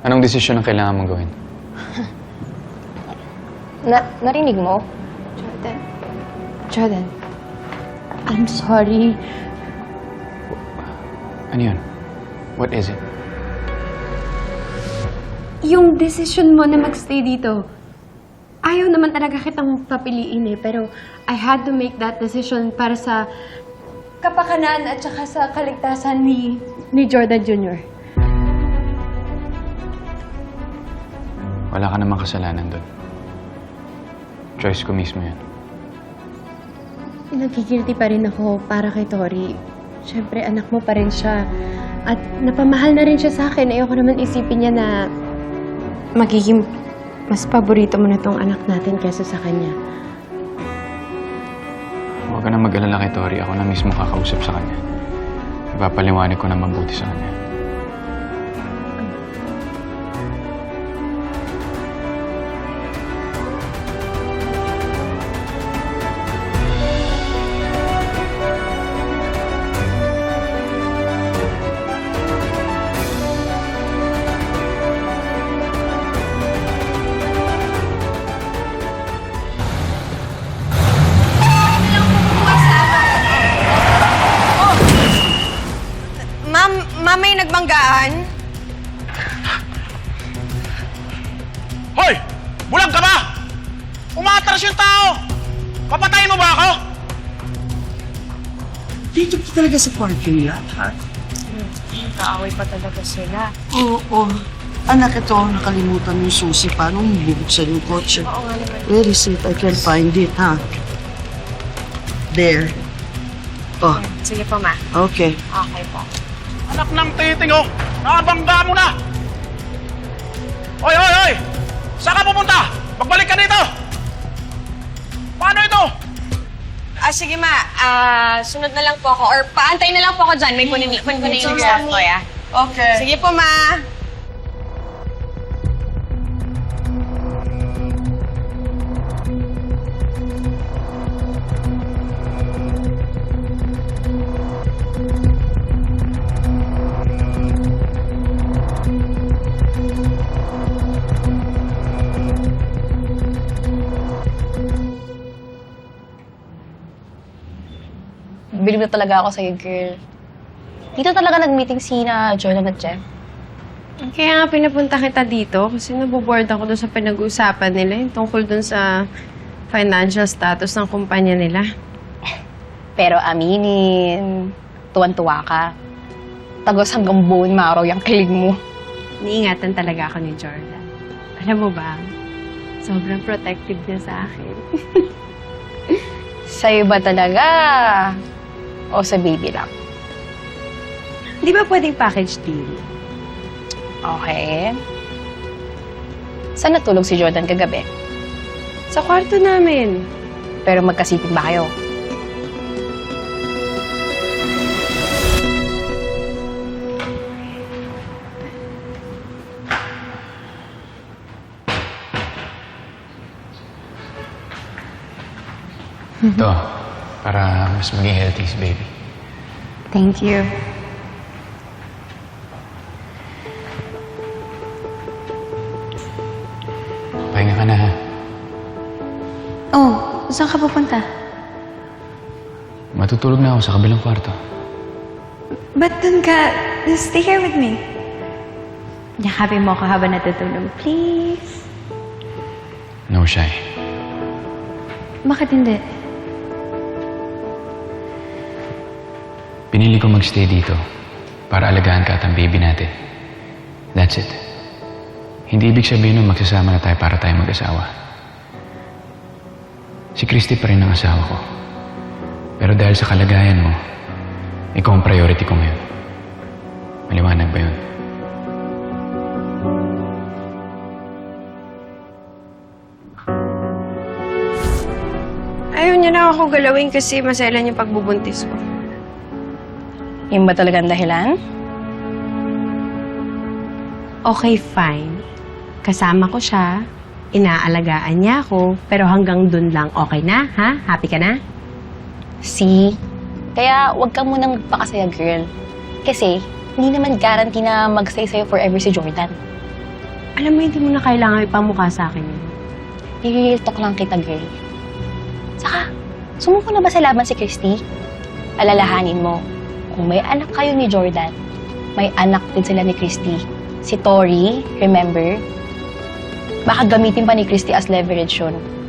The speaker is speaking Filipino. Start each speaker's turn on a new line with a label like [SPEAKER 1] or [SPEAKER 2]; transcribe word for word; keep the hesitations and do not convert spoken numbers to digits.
[SPEAKER 1] Anong desisyon ang kailangan mong gawin?
[SPEAKER 2] Na narinig mo?
[SPEAKER 3] Jordan. Jordan. I'm sorry.
[SPEAKER 1] Ano yun? What is it?
[SPEAKER 3] Yung decision mo na magstay dito, ayaw naman talaga kitang papiliin eh, pero I had to make that decision para sa kapakanan at saka sa kaligtasan ni, ni Jordan Junior
[SPEAKER 1] Wala ka namang kasalanan doon. Choice ko mismo yan.
[SPEAKER 3] Nagigilty pa rin ako para kay Tori. Siyempre, anak mo pa rin siya. At napamahal na rin siya sa akin. Ayoko naman isipin niya na magiging mas paborito mo na tong anak natin kaysa sa kanya.
[SPEAKER 1] Huwag ka na mag-alala kay Tori. Ako na mismo kakausap sa kanya. Ipapaliwanag ko na mabuti sa kanya.
[SPEAKER 4] Ma'am, may nagbanggaan?
[SPEAKER 5] Hoy! Bulag ka ba? Umatras yung tao! Papatayin mo ba ako?
[SPEAKER 6] Dito pa talaga sa parking lot, ha?
[SPEAKER 4] Kaaway pa talaga sila.
[SPEAKER 6] Oo, oo. Anak, ito, nakalimutan yung susi. Paano mo bubuksan yung kotse?
[SPEAKER 4] Oo nga naman.
[SPEAKER 6] Where is it? I can't find it, ha? There. Oh,
[SPEAKER 4] Sige po, ma.
[SPEAKER 6] okay.
[SPEAKER 4] Okay po.
[SPEAKER 5] Anak ng titing, oh! Nakabangga mo na! Hoy, hoy, hoy! Saan ka pupunta? Magbalik ka dito! Paano ito?
[SPEAKER 4] Ah, sige, ma. Ah, sunod na lang po ako. Or paantay na lang po ako dyan. May kunin, kunin ko na yung result ko, ya.
[SPEAKER 6] Okay.
[SPEAKER 4] Sige po, ma.
[SPEAKER 2] Bilib na talaga ako sa'yo, girl. Dito talaga nag-meeting si na Jordan at Jeff.
[SPEAKER 3] Kaya nga pinapunta kita dito kasi naboboard ako doon sa pinag-uusapan nila yung tungkol doon sa financial status ng kumpanya nila.
[SPEAKER 2] Pero aminin, tuwan-tuwa ka. Tagos hanggang bone marrow yung kilig mo.
[SPEAKER 3] Iniingatan talaga ako ni Jordan. Alam mo ba, sobrang protective niya sa akin.
[SPEAKER 2] Sa'yo ba talaga? O sa baby lang?
[SPEAKER 3] Di ba pwedeng package deal?
[SPEAKER 2] Okay. Saan natulog si Jordan kagabi?
[SPEAKER 3] Sa kwarto namin.
[SPEAKER 2] Pero magkasipin ba kayo?
[SPEAKER 1] Ito, para mas maging healthy si baby.
[SPEAKER 3] Thank you.
[SPEAKER 1] Pahinga ka na, ha?
[SPEAKER 3] Oh, saan ka pupunta?
[SPEAKER 1] Matutulog na ako sa kabilang kwarto.
[SPEAKER 3] Ba't dun ka? Stay here with me. Yakapin mo ako habang natutulog, please.
[SPEAKER 1] No, Shy.
[SPEAKER 3] Bakit hindi?
[SPEAKER 1] Pinili ko magstay dito para alagaan ka at ang baby natin. That's it. Hindi ibig sabihin nun magsasama na tayo para tayo mag-asawa. Si Christy pa rin ang asawa ko. Pero dahil sa kalagayan mo, ikaw ang priority ko ngayon. Maliwanag ba yun?
[SPEAKER 3] Ayaw niya na ako galawin kasi maselan yung pagbubuntis ko.
[SPEAKER 2] Yun ba talagang dahilan?
[SPEAKER 3] Okay, fine. Kasama ko siya, inaalagaan niya ako, pero hanggang dun lang okay na, ha? Happy ka na?
[SPEAKER 2] See? Kaya huwag ka munang magpakasaya, girl. Kasi hindi naman guarantee na mag-stay sa'yo forever si Jordan.
[SPEAKER 3] Alam mo, hindi mo na kailangan ipamukha sa akin yun.
[SPEAKER 2] I-real talk lang kita, girl. Saka, sumuko na ba sa laban si Christy? Alalahanin mo, kung may anak kayo ni Jordan, may anak din sila ni Christy. Si Tori, remember? Baka gamitin pa ni Christy as leverage yun.